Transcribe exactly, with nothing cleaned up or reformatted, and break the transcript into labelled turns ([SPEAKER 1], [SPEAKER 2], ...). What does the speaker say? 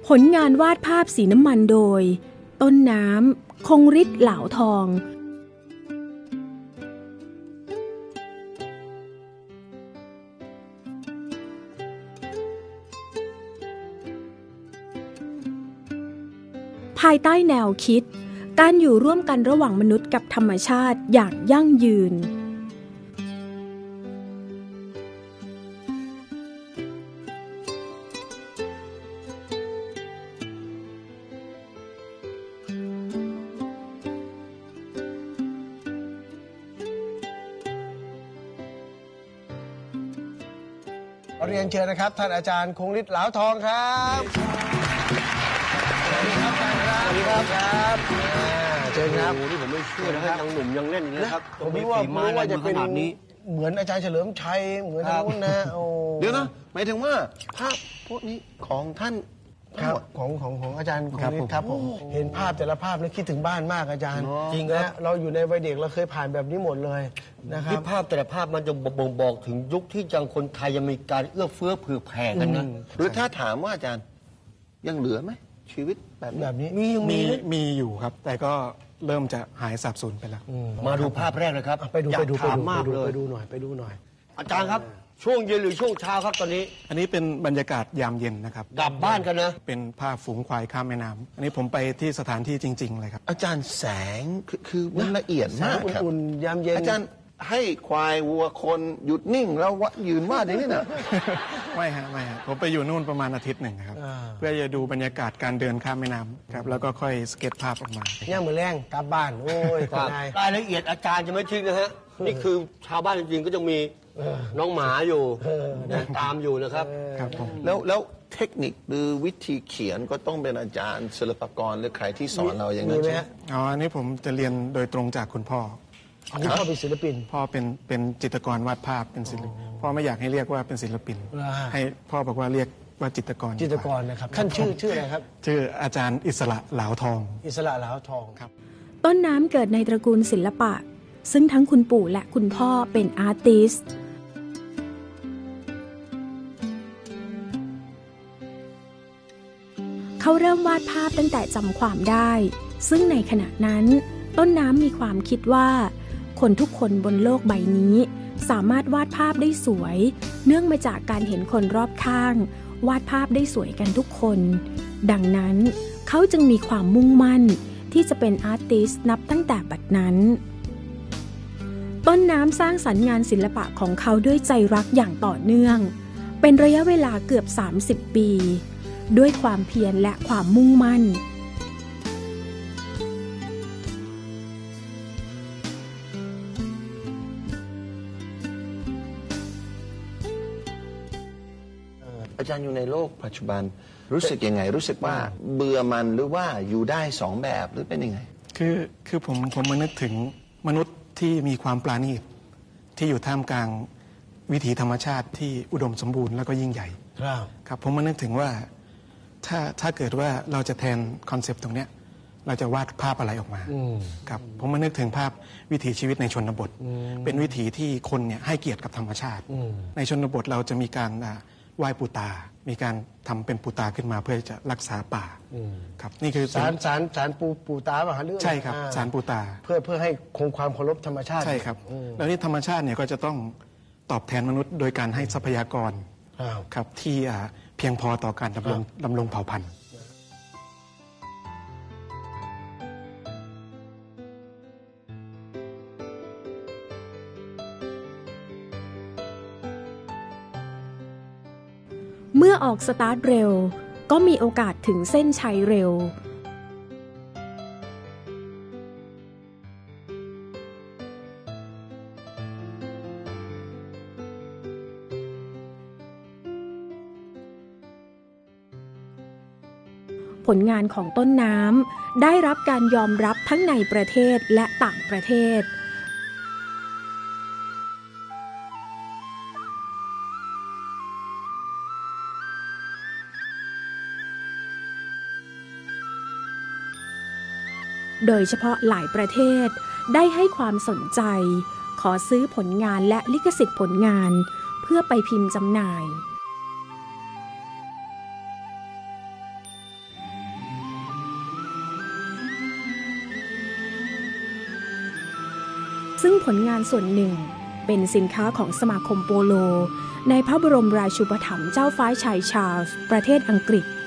[SPEAKER 1] ผลงานวาดภาพสีน้ำมันโดยต้นน้ำคงฤทธิ์เหลาทองภายใต้แนวคิดการอยู่ร่วมกันระหว่างมนุษย์กับธรรมชาติอย่างยั่งยืน
[SPEAKER 2] เรียนเชิญนะครับท่านอาจารย์คงฤทธิ์เหลาทองครับสวัสดีครับอาจารย์ครับสวัสดีครับครับเชิญครับ
[SPEAKER 3] นี่ผมไม่เชื่อนะยังหนุ่มยังเล่นอย่างนี้ครับ
[SPEAKER 2] ผมไม่ว่าไม่ว่าจะเป็นเหมือนอาจารย์เฉลิมชัยเหมือนท่านนู้นนะ
[SPEAKER 3] เดี๋ยวนะหมายถึงว่าภาพพวกนี้ของท่าน
[SPEAKER 2] ครับของของของอาจารย์คงฤทธิ์ครับผมเห็นภาพแต่ละภาพแล้วคิดถึงบ้านมากอาจารย์จริงนะเราอยู่ในวัยเด็กเราเคยผ่านแบบนี้หมดเลยนะครับ
[SPEAKER 3] ภาพแต่ละภาพมันจะบ่งบอกถึงยุคที่จังคนไทยยังมีการเอื้อเฟื้อเผื่อแผ่กันนะหรือถ้าถามว่าอาจารย์ยังเหลือไหมชีวิตแบบ
[SPEAKER 2] แบบนี้
[SPEAKER 4] มีมีมีอยู่ครับแต่ก็เริ่มจะหายสับสนไปแล้ว
[SPEAKER 3] มาดูภาพแรกเลยครับ
[SPEAKER 2] ไปดูไปดูไปดู
[SPEAKER 3] มากเลย
[SPEAKER 2] ไปดูหน่อยไปดูหน่อย
[SPEAKER 3] อาจารย์ครับช่วงเย็นหรือช่วงเช้าครับตอนนี้
[SPEAKER 4] อันนี้เป็นบรรยากาศยามเย็นนะครับ
[SPEAKER 3] กลับบ้านกันนะ
[SPEAKER 4] เป็นภาพฝูงควายข้ามแม่น้ำอันนี้ผมไปที่สถานที่จริงๆเลยครับ
[SPEAKER 3] อาจารย์แสงคือมันละเอียดมากครับ
[SPEAKER 2] อุ่นๆยามเย็น
[SPEAKER 3] อาจารย์ให้ควายวัวคนหยุดนิ่งแล้วยืนวาดอย่างนี้นะ
[SPEAKER 4] ไม่ฮะไม่ฮะผมไปอยู่นู่นประมาณอาทิตย์หนึ่งครับเพื่อจะดูบรรยากาศการเดินข้ามแม่น้ำครับแล้วก็ค่อยสเก็ตภาพออกมา
[SPEAKER 2] ย่างมือแรงกลับบ้านโอ้ย
[SPEAKER 3] รายละเอียดอาจารย์จะไม่ทิ้งนะฮะนี่คือชาวบ้านจริงๆก็จะมีน้องหมาอยู่ตามอยู่นะครับ
[SPEAKER 4] ครับผม
[SPEAKER 3] แล้วแล้วเทคนิคหรือวิธีเขียนก็ต้องเป็นอาจารย์ศิลปากรหรือใครที่สอนเราอย่างนั้นใช่ไหม
[SPEAKER 4] อ๋ออันนี้ผมจะเรียนโดยตรงจากคุณพ่อ
[SPEAKER 2] คุณพ่อเป็นศิลปิน
[SPEAKER 4] พ่อเป็นเป็นจิตรกรวาดภาพเป็นศิลปินพ่อไม่อยากให้เรียกว่าเป็นศิลปินให้พ่อบอกว่าเรียกว่าจิตรกร
[SPEAKER 2] จิตรกรนะครับท่านชื่อชื่ออะไรครับ
[SPEAKER 4] ชื่ออาจารย์อิสระเหลาทอง
[SPEAKER 2] อิสระเหลาทอง
[SPEAKER 4] ครับ
[SPEAKER 1] ต้นน้ำเกิดในตระกูลศิลปะซึ่งทั้งคุณปู่และคุณพ่อเป็นอาร์ติสต์เขาเริ่มวาดภาพตั้งแต่จำความได้ซึ่งในขณะนั้นต้นน้ำมีความคิดว่าคนทุกคนบนโลกใบนี้สามารถวาดภาพได้สวยเนื่องมาจากการเห็นคนรอบข้างวาดภาพได้สวยกันทุกคนดังนั้นเขาจึงมีความมุ่งมั่นที่จะเป็นอาร์ติสต์นับตั้งแต่บัดนั้นต้นน้ำสร้างสรรค์งานศิลปะของเขาด้วยใจรักอย่างต่อเนื่องเป็นระยะเวลาเกือบสามสิบปีด้วยความเพียรและความมุ่งมั่น
[SPEAKER 3] อาจารย์อยู่ในโลกปัจจุบันรู้สึกยังไงรู้สึกว่าเบื่อมันหรือว่าอยู่ได้สองแบบหรือเป็นยังไง
[SPEAKER 4] คือคือผมผมมานึกถึงมนุษย์ที่มีความปราณีตที่อยู่ท่ามกลางวิถีธรรมชาติที่อุดมสมบูรณ์แล้วก็ยิ่งใหญ่
[SPEAKER 2] ครับ
[SPEAKER 4] ครับผมมานึกถึงว่าถ้าถ้าเกิดว่าเราจะแทนคอนเซปต์ตรงเนี้ยเราจะวาดภาพอะไรออกมาครับผมมานึกถึงภาพวิถีชีวิตในชนบทเป็นวิถีที่คนเนี่ยให้เกียรติกับธรรมชาติในชนบทเราจะมีการไหว้ปูตามีการทำเป็นปูตาขึ้นมาเพื่อจะรักษาป่าครับนี่คือ
[SPEAKER 2] สารสารสารปูปูตาป่ะฮะเรื่อง
[SPEAKER 4] ใช่ครับสารปูตา
[SPEAKER 2] เพื่อเพื่อให้คงความเคารพธรรมชาติ
[SPEAKER 4] ใช่ครับแล้วนี่ธรรมชาติเนี่ยก็จะต้องตอบแทนมนุษย์โดยการให้ทรัพยากรครับที่เพียงพอต่อการดำรงดำรงเผ่าพันธุ์
[SPEAKER 1] เมื่อออกสตาร์ทเร็วก็มีโอกาสถึงเส้นชัยเร็วผลงานของต้นน้ำได้รับการยอมรับทั้งในประเทศและต่างประเทศโดยเฉพาะหลายประเทศได้ให้ความสนใจขอซื้อผลงานและลิขสิทธิ์ผลงานเพื่อไปพิมพ์จำหน่ายซึ่งผลงานส่วนหนึ่งเป็นสินค้าของสมาคมโปโลในพระบรมราชูปถัมภ์เจ้าฟ้าชายชาร์ลส์ประเทศอังกฤษ